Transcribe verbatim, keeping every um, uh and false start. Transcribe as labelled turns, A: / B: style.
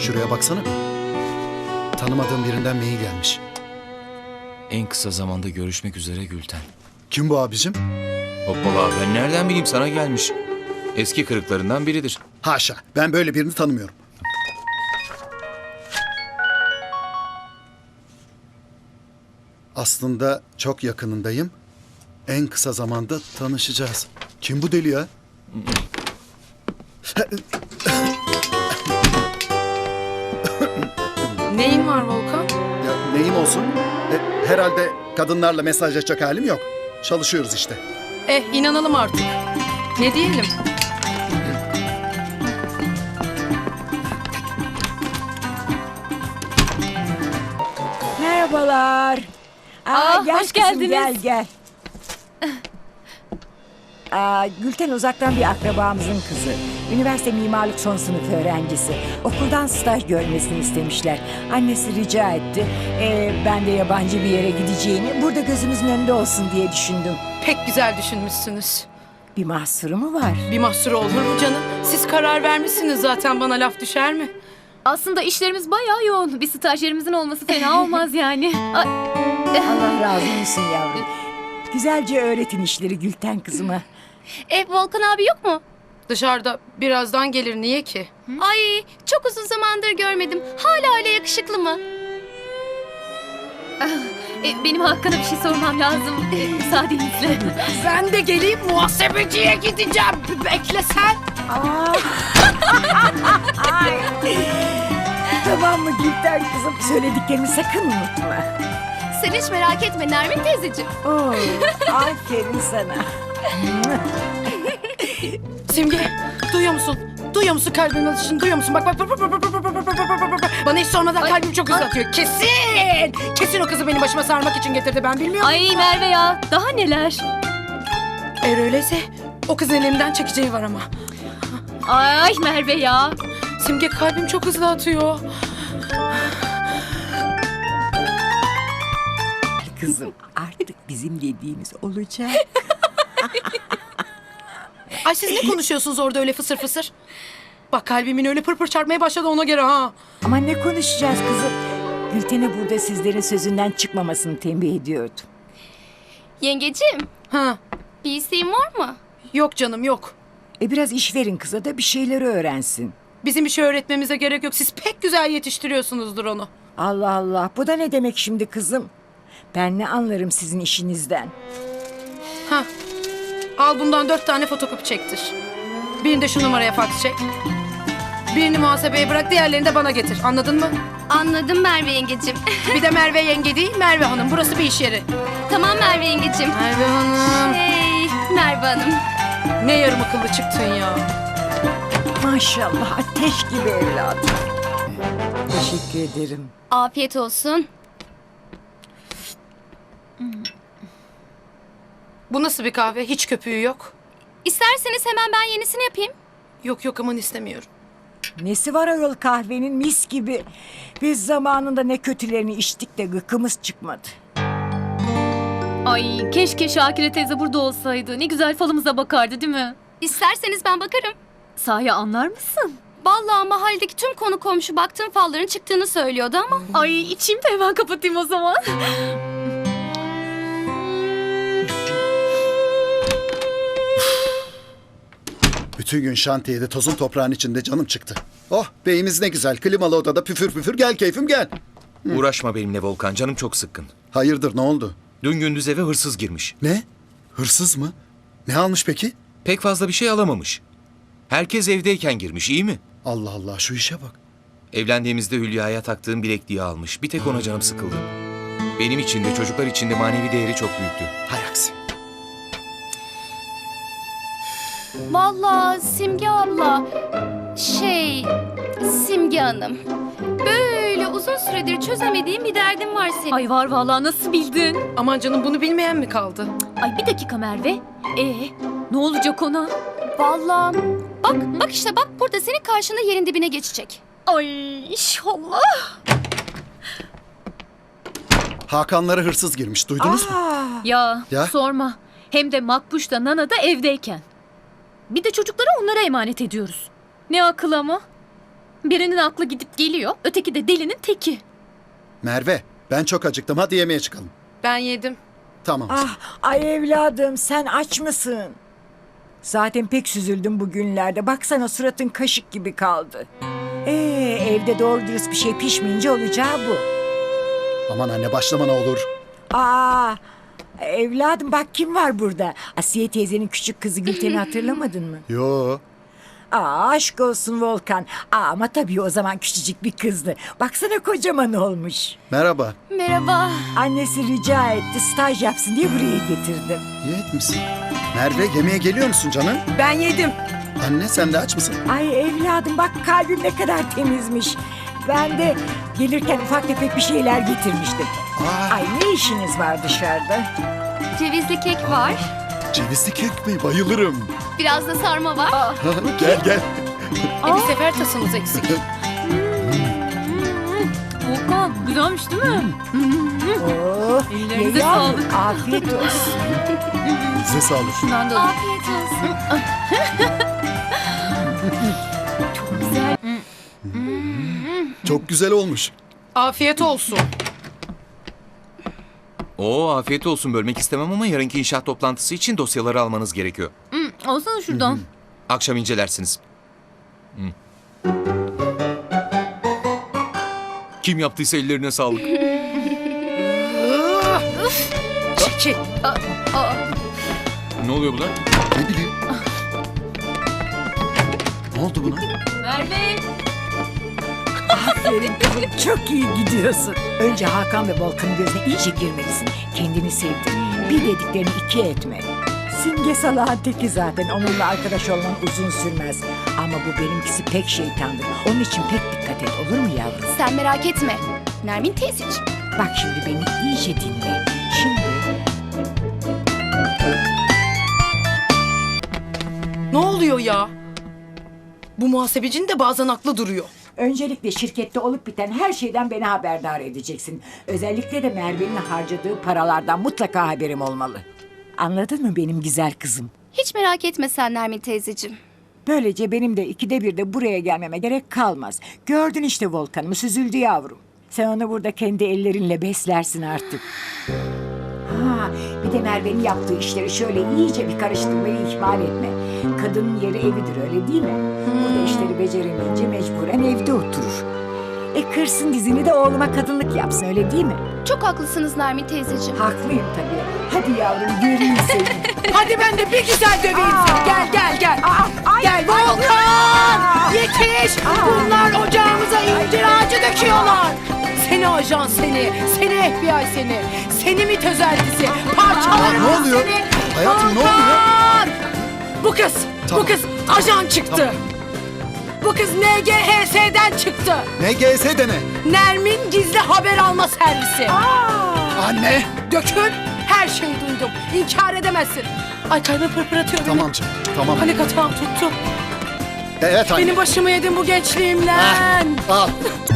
A: Şuraya baksana bir. Tanımadığım birinden mail gelmiş.
B: En kısa zamanda görüşmek üzere Gülten.
A: Kim bu abicim?
B: Hoppala, ben nereden bileyim, sana gelmiş. Eski kırıklarından biridir.
A: Haşa, ben böyle birini tanımıyorum. Aslında çok yakınındayım. En kısa zamanda tanışacağız. Kim bu deli ya?
C: Neyin var Volkan?
A: Ya neyim olsun? E, herhalde kadınlarla mesajlaşacak halim yok. Çalışıyoruz işte.
C: Eh inanalım artık. Ne diyelim?
D: Merhabalar. Aa,
E: Aa,
D: gel
E: hoş
D: kızım,
E: geldiniz.
D: Gel gel. Aa, Gülten uzaktan bir akrabamızın kızı. Üniversite mimarlık son sınıf öğrencisi. Okuldan staj görmesini istemişler. Annesi rica etti. Ee, ben de yabancı bir yere gideceğini burada gözümüzün önünde olsun diye düşündüm.
C: Pek güzel düşünmüşsünüz.
D: Bir mahsuru mu var?
C: Bir mahsuru olur mu canım? Siz karar vermişsiniz zaten, bana laf düşer mi?
E: Aslında işlerimiz bayağı yoğun. Bir stajyerimizin olması fena olmaz yani. Ay,
D: Allah razı olsun yavrum. Güzelce öğretin işleri Gülten kızıma.
F: E Volkan abi yok mu?
C: Dışarıda birazdan gelir, niye ki?
F: Ay çok uzun zamandır görmedim. Hala öyle yakışıklı mı?
E: e, benim Hakan'a bir şey sormam lazım. E, müsaadenizle.
C: Ben de geleyim, muhasebeciye gideceğim. Bekle sen.
D: Aa. Ay. Tamam mı Gülten kızım? Söylediklerimi sakın unutma.
F: Sen hiç merak etme Nermin teyzeciğim.
D: Oo, aferin sana.
C: Simge, duyuyor musun? Duyuyor musun kalbimin atışını? Duyuyor musun? Bak bak bak bak bak bak bak bak bak bak bak bak. Bana hiç sormadan kalbim çok hızlı atıyor. Kesin! Kesin o kızı benim başıma sarmak için getirdi, ben bilmiyorum.
E: Ay Merve ya, daha neler?
C: Eğer öyleyse o kızın elimden çekeceği var ama.
E: Ay Merve ya.
C: Simge, kalbim çok hızlı atıyor.
D: Kızım artık bizim dediğimiz olacak.
C: Ay siz ne konuşuyorsunuz orada öyle fısır fısır? Bak kalbimin öyle pır pır çarpmaya başladı, ona göre ha.
D: Ama ne konuşacağız kızım? Gülten'e burada sizlerin sözünden çıkmamasını tembih ediyordum.
F: Yengeciğim
C: Ha.
F: bir isteğin var mı?
C: Yok canım, yok.
D: E biraz iş verin kıza da bir şeyleri öğrensin.
C: Bizim bir şey öğretmemize gerek yok. Siz pek güzel yetiştiriyorsunuzdur onu.
D: Allah Allah, bu da ne demek şimdi kızım? Ben ne anlarım sizin işinizden?
C: Ha. Al bundan dört tane fotokopi çektir. Birini de şu numaraya fax çek. Birini muhasebeye bırak, diğerlerini de bana getir. Anladın mı?
F: Anladım Merve yengeciğim.
C: Bir de Merve yenge değil, Merve Hanım. Burası bir iş yeri.
F: Tamam Merve yengeciğim.
C: Merve Hanım.
F: Hey Merve Hanım.
C: Ne yarım akıllı çıktın ya.
D: Maşallah ateş gibi evladım. Teşekkür ederim.
F: Afiyet olsun.
C: Bu nasıl bir kahve? Hiç köpüğü yok.
F: İsterseniz hemen ben yenisini yapayım.
C: Yok yok, aman istemiyorum.
D: Nesi var ayol kahvenin, mis gibi. Biz zamanında ne kötülerini içtik de gıkımız çıkmadı.
E: Ay keşke Şakire teyze burada olsaydı. Ne güzel falımıza bakardı değil mi?
F: İsterseniz ben bakarım.
E: Sahi anlar mısın?
F: Vallahi mahalledeki tüm konu komşu baktığım falların çıktığını söylüyordu ama.
E: Ay içeyim de hemen kapatayım o zaman.
A: Bütün gün şantiyede tozun toprağın içinde canım çıktı. Oh, beyimiz ne güzel. Klimalı odada püfür püfür, gel keyfim gel.
B: Uğraşma benimle Volkan, canım çok sıkkın.
A: Hayırdır, ne oldu?
B: Dün gündüz eve hırsız girmiş.
A: Ne? Hırsız mı? Ne almış peki?
B: Pek fazla bir şey alamamış. Herkes evdeyken girmiş, iyi mi?
A: Allah Allah, şu işe bak.
B: Evlendiğimizde Hülya'ya taktığım bilekliği almış. Bir tek ona canım sıkıldı. Benim için de çocuklar için de manevi değeri çok büyüktü.
A: Hay aksi.
F: Vallahi Simge abla, şey, Simge Hanım. Böyle uzun süredir çözemediğim bir derdim var senin.
E: Ay var vallahi, nasıl bildin?
C: Aman canım, bunu bilmeyen mi kaldı?
E: Ay bir dakika Merve. Ee, ne olacak ona?
F: Vallahi bak, bak işte bak burada senin karşında yerin dibine geçecek.
E: Ay inşallah.
A: Hakanlara hırsız girmiş, duydunuz mu?
D: Aa,
E: Ya,
A: Ya?
E: sorma. Hem de Makbuş da Nana da evdeyken. Bir de çocukları onlara emanet ediyoruz. Ne akıl ama. Birinin aklı gidip geliyor, öteki de delinin teki.
A: Merve, ben çok acıktım. Hadi yemeğe çıkalım.
C: Ben yedim.
A: Tamam.
D: Ah, ay evladım sen aç mısın? Zaten pek süzüldüm bugünlerde. Baksana suratın kaşık gibi kaldı. Ee, evde doğru dürüst bir şey pişmeyince olacağı bu.
A: Aman anne başlama ne olur.
D: Aa, evladım bak kim var burada? Asiye teyzenin küçük kızı Gülten'i hatırlamadın mı?
A: Yo.
D: Aa, aşk olsun Volkan. Aa, ama tabii o zaman küçücük bir kızdı. Baksana kocaman olmuş.
A: Merhaba.
F: Merhaba.
D: Annesi rica etti staj yapsın diye buraya getirdim.
A: İyi etmişsin. Merve yemeğe geliyor musun canım?
C: Ben yedim.
A: Anne sen de aç mısın?
D: Ay evladım bak kalbim ne kadar temizmiş. Ben de gelirken ufak tefek bir şeyler getirmiştim.
A: Aa,
D: Ay ne işiniz var dışarıda?
F: Cevizli kek var.
A: cevizli kek mi? Bayılırım.
F: Biraz da sarma var.
A: Gel gel.
C: E bir sefer tasımız eksik.
E: Volkan, güzelmiş değil mi?
D: Oo,
E: Ellerinize
D: ye yavrum,
E: sağlık.
D: afiyet olsun.
A: Size sağlık.
E: Şundan da alayım.
F: Afiyet olsun.
A: Çok güzel olmuş.
C: Afiyet olsun.
B: Oo afiyet olsun, bölmek istemem ama yarınki inşaat toplantısı için dosyaları almanız gerekiyor.
E: Hı, alsana şuradan.
B: Akşam incelersiniz. Hı. Kim yaptıysa ellerine sağlık.
C: Çekil.
B: Ne oluyor buna?
A: Ne bileyim. Ne oldu buna?
E: Merve.
D: Aferin kızım çok iyi gidiyorsun. Önce Hakan ve Volkan'ın gözüne iyice girmelisin. Kendini sevdir. Bir dediklerini iki etme. Simge salağın teki zaten. Onunla arkadaş olman uzun sürmez. Ama bu benimkisi pek şeytandır. Onun için pek dikkat et olur mu yavrum?
F: Sen merak etme. Nermin teyzeciğim.
D: Bak şimdi beni iyice dinle. Şimdi
C: Ne oluyor ya? Bu muhasebecinin de bazen aklı duruyor.
D: öncelikle şirkette olup biten her şeyden beni haberdar edeceksin. Özellikle de Merve'nin harcadığı paralardan mutlaka haberim olmalı. Anladın mı benim güzel kızım?
F: Hiç merak etme sen Nermin teyzeciğim.
D: Böylece benim de ikide bir de buraya gelmeme gerek kalmaz. Gördün işte Volkan'ımı süzüldü yavrum. Sen onu burada kendi ellerinle beslersin artık. Ha, bir de Merve'nin yaptığı işleri şöyle iyice bir karıştırmayı ihmal etme. Kadının yeri evidir öyle değil mi? Burada işleri beceremeyince mecburen evde oturur. E kırsın dizini de oğluma kadınlık yapsın öyle değil mi?
F: Çok haklısınız Nermin teyzeciğim.
D: Haklıyım tabii. Hadi yavrum göreyim seni.
C: Hadi ben de bir güzel döveyim
D: Aa.
C: seni. Gel gel gel.
D: Aa, ay,
C: Gel
D: ay,
C: Volkan! Yetiş! Bunlar ocağımıza incir ağacı döküyorlar. Seni ajan seni, seni F B I seni, seni MİT özentisi, parçalarım
A: Ne oluyor?
C: seni.
A: Hayatım, ne
C: Volkan! Bu kız,
A: Tamam.
C: bu kız ajan çıktı.
A: Tamam.
C: Bu kız N G H S'den çıktı.
A: Ne G S de ne?
C: Nermin Gizli Haber Alma Servisi.
A: Anne.
C: Dökün, her şeyi duydum. İnkar edemezsin. Ay kalbim pırpır atıyor benim.
A: Tamam canım. Tamam.
C: Panik atağım tuttu.
A: Evet anne.
C: Benim başımı yedin bu gençliğimle.
A: Al.